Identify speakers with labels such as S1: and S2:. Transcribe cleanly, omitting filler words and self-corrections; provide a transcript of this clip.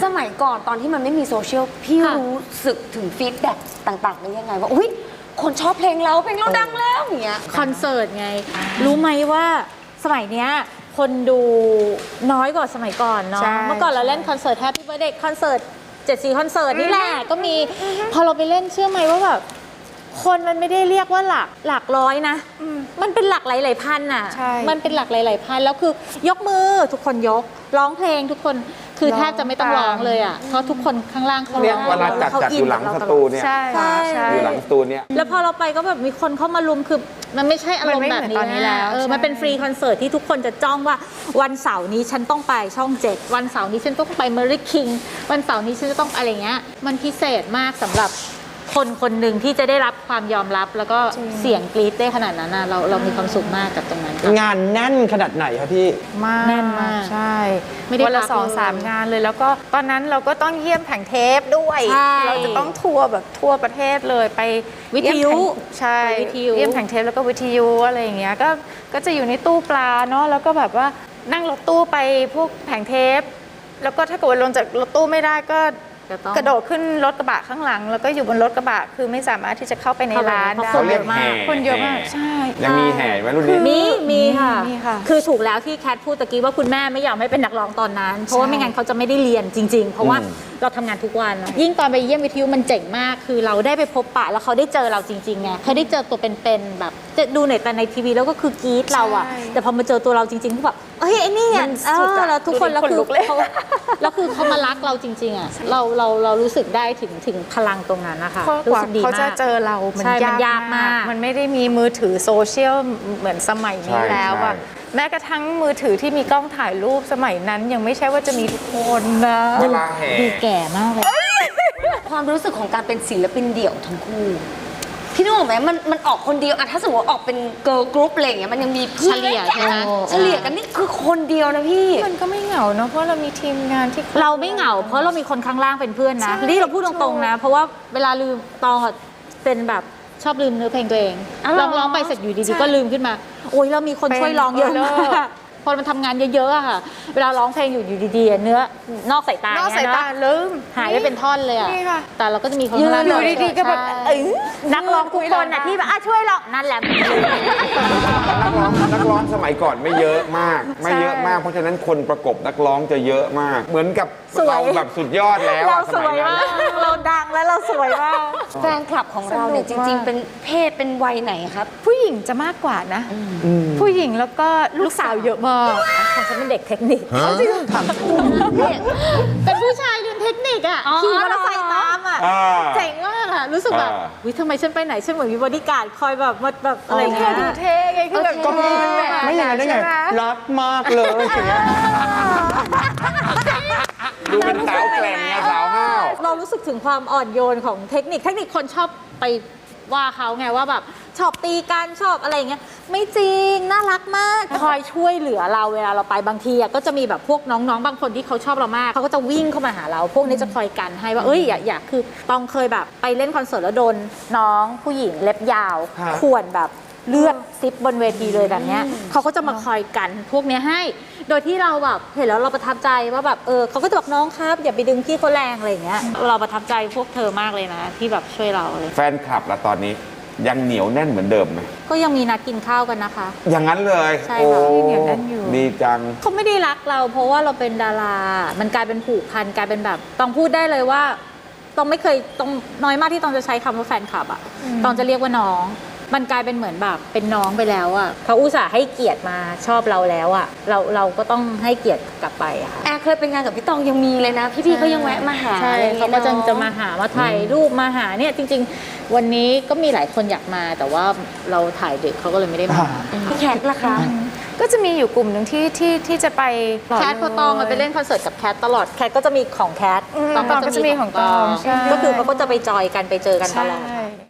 S1: สมัยก่อนตอนที่มันไม่มีโซเชียลพี่รู้สึกถึงฟีดแบ็กต่างๆได้ยังไงว่าอุ๊ยคนชอบเพลงเราดังแล้วอย่างเงี้ย
S2: คอนเสิร์ตไงรู้ไหมว่าสมัยเนี้ยคนดูน้อยกว่าสมัยก่อนเนาะเมื่อก่อนเราเล่นคอนเสิร์ต Happy Birthday คอนเสิร์ต74คอนเสิร์ตนี่แหละก็มีพอเราไปเล่นเชื่อไหมว่าแบบคนมันไม่ได้เรียกว่าหลักร้อยนะมันเป็นหลักหลายๆพันอ่ะมันเป็นหลักหลายๆพันแล้วคือยกมือทุกคนยกร้องเพลงทุกคนคือแทบจะไม่ต้องร้องเลยอ่ะเพราะทุกคนข้างล่างเขาร้อง
S3: เวลาจัดอยู่หลังสตูเนี่ยอยู่หลังสตูเนี่ย
S2: แล้วพอเราไปก็แบบมีคนเข้ามารุมคือมันไม่ใช่อารมณ์แบบนี้แล้วมันเป็นฟรีคอนเสิร์ตที่ทุกคนจะจ้องว่าวันเสาร์นี้ฉันต้องไปช่อง 7วันเสาร์นี้ฉันต้องไปเมอริคิงวันเสาร์นี้ฉันจะต้องอะไรเงี้ยมันพิเศษมากสำหรับคนคนหนึ่งที่จะได้รับความยอมรับแล้วก็เสียงกรี๊ดได้ขนาดนั้นนะเรามีความสุขมากกับตรงนั้น
S4: งานแน่นขนาดไหนคะพี่
S2: แน่นมาก
S5: ใช่วันละ2-3 งานเลยแล้วก็ตอนนั้นเราก็ต้องเยี่ยมแผงเทปด้วยเราจะต้องทัวร์แบบทั่วประเทศเลยไป
S2: วิทยุ
S5: ใช่เยี่ยมแผงเทปแล้วก็วิทยุอะไรอย่างเงี้ยก็จะอยู่ในตู้ปลาเนาะแล้วก็แบบว่านั่งรถตู้ไปพวกแผงเทปแล้วก็ถ้าเกิดลงจากรถตู้ไม่ได้ก็กระโดดขึ้นรถกระบะข้างหลังแล้วก็อยู่บนรถกระบะคือไม่สามารถที่จะเข้าไปในร้านได้
S3: เขาเรียกแห่
S5: คนเยอะมากใช่
S3: ยังมีแห่ไหมรุ่นนี้
S2: มีค่ะคือถูกแล้วที่แคทพูดตะกี้ว่าคุณแม่ไม่ยอมให้เป็นนักร้องตอนนั้นเพราะว่าไม่งั้นเขาจะไม่ได้เรียนจริงๆเพราะว่าเราทำงานทุกวันยิ่งตอนไปเยี่ยมวิทยุมันเจ๋งมากคือเราได้ไปพบปะแล้วเขาได้เจอเราจริงๆไงเขาได้เจอตัวเป็นๆแบบจะดูในทีวีแล้วก็คือกรี๊ดเราอะแต่พอมาเจอตัวเราจริงๆเขาแบบเฮ้ยไอ้นี่เนี่ยแล้วทุกคนแล้วคือเขามารักเราจริงๆอะเรารู้สึกได้ถึงพลังตรงนั้นนะคะรู้สึกดีมาก
S5: เขาจะเจอเรามันยากมากมันไม่ได้มีมือถือโซเชียลเหมือนสมัยนี้แล้วอะแม้กระทั่งมือถือที่มีกล้องถ่ายรูปสมัยนั้นยังไม่ใช่ว่าจะมีทุกคนนะ
S3: เวลาแห่
S2: ดีแก่มากเลย
S1: ความรู้สึกของการเป็นศิลปินเดี่ยวทั้งคู่พี่นึกออกไหมมันออกคนเดียวอะถ้าสมมติออกเป็นเกิร์ลกรุ๊ปอะไรอย่างเงี้ยมันยังมีเพื่อน
S2: เฉลี่ยใช่ไหม
S1: เฉลี่ยกันนี่คือคนเดียวนะพี่
S5: มันก็ไม่เหงาเนาะเพราะเรามีทีมงานที่
S2: เราไม่เหงาเพราะเรามีคนข้างล่างเป็นเพื่อนนะนี่เราพูดตรงๆนะเพราะว่าเวลาลืมตองเป็นแบบชอบลืมเนื้อเพลงตัวเองร้องไปเสร็จอยู่ดีๆก็ลืมขึ้นมาโอ้ยเรามีคนช่วยร้องเยอะมากพอมันทำงานเยอะๆอะค่ะเวลาร้องเพลงอยู่ดีๆเนื้อนอกสายตา
S5: ลืม
S2: หายไปเป็นท่อนเลยอะแต่เราก็จะมีคน
S5: ข้างล่างอยู่ดีๆก็แบบ
S2: นักร้องทุกคนอะที่แบบช่วยเรานั่นแหละ
S3: นักร้องสมัยก่อนไม่เยอะมากเพราะฉะนั้นคนประกบนักร้องจะเยอะมากเหมือนกับเราแบบสุดยอดแล้ว
S2: เราสวยมากเราดังแล้วเราสวยมาก
S1: แฟนคลับของเราเนี่ยจริงๆเป็นเพศเป็นวัยไหนครับ
S5: ผู้หญิงจะมากกว่านะผู้หญิงแล้วก็ลูกสาวเยอะมาก
S2: ของฉันเป็นเด็กเทคนิคเป็นผู้ชายเรียนเทคนิคอ่ะขี่มอเตอร์ไซค์ตามอ่ะเจ๋งมากอ่ะรู้สึกแบบวิทำไมฉันไปไหนฉันเหมือนมีบอดี้การ์ดคอยแบบอะไรเงี้ย
S5: ดูเท่ไงคือแบบ
S4: ก็ไม่อย่างนั้นได้ไงรักมากเลยอย่างเงี้ย
S3: ดูเป็นสาวแกร่งไงสาวห้าว
S2: เรารู้สึกถึงความอ่อนโยนของเทคนิคคนชอบไปว่าเขาไงว่าแบบชอบตีกันชอบอะไรเงี้ยไม่จริงน่ารักมากคอยช่วยเหลือเราเวลาเราไปบางทีก็จะมีแบบพวกน้องๆบางคนที่เขาชอบเรามากเขาก็จะวิ่งเข้ามาหาเราพวกนี้จะคอยกันให้ว่าอย่าคือต้องเคยแบบไปเล่นคอนเสิร์ตแล้วโดนน้องผู้หญิงเล็บยาวข่วนแบบเลือดซิบบนเวทีเลยแบบเนี้ยเขาก็จะมาคอยกันพวกนี้ให้โดยที่เราแบบเห็นแล้วเราประทับใจว่าแบบเขาก็จะบอกน้องครับอย่าไปดึงพี่เขาแรงอะไรอย่างเงี้ยเราประทับใจพวกเธอมากเลยนะที่แบบช่วยเราเลย
S3: แฟนคลับละตอนนี้ยังเหนียวแน่นเหมือนเดิมไหม
S2: ก็ยังมีนัดกินข้าวกันนะคะ
S3: อย่างนั้นเลย
S2: ใช่ค่ะ
S5: เหนียวแน่นอยู่
S3: ดีจัง
S2: เขาไม่ได้รักเราเพราะว่าเราเป็นดารามันกลายเป็นผูกพันกลายเป็นแบบต้องพูดได้เลยว่าต้องไม่เคยต้องน้อยมากที่ต้องจะใช้คำว่าแฟนคลับอ่ะต้องจะเรียกว่าน้องมันกลายเป็นเหมือนแบบเป็นน้องไปแล้วอ่ะเขาอุตส่าห์ให้เกียรติมาชอบเราแล้วอ่ะเราก็ต้องให้เกียรติกลับไปอะค่ะ
S1: เคยเป็นงานกับพี่ตองยังมีเลยนะพี่ก็ยังแวะมาหา
S2: ใช่เขาก็จะมาหามาถ่ายรูปมาหาเนี่ยจริงๆวันนี้ก็มีหลายคนอยากมาแต่ว่าเราถ่ายดึกเขาก็เลยไม่ได้มา
S1: พี่แคทล่ะคะ
S5: ก็จะมีอยู่กลุ่มหนึ่งที่จะไป
S2: แคทพอตองไปเล่นคอนเสิร์ตกับแคทตลอดแคทก็จะมีของแคท
S5: ตองก็จะมีของตอง
S2: ก็คือเขาก็จะไปจอยกันไปเจอกันตลอด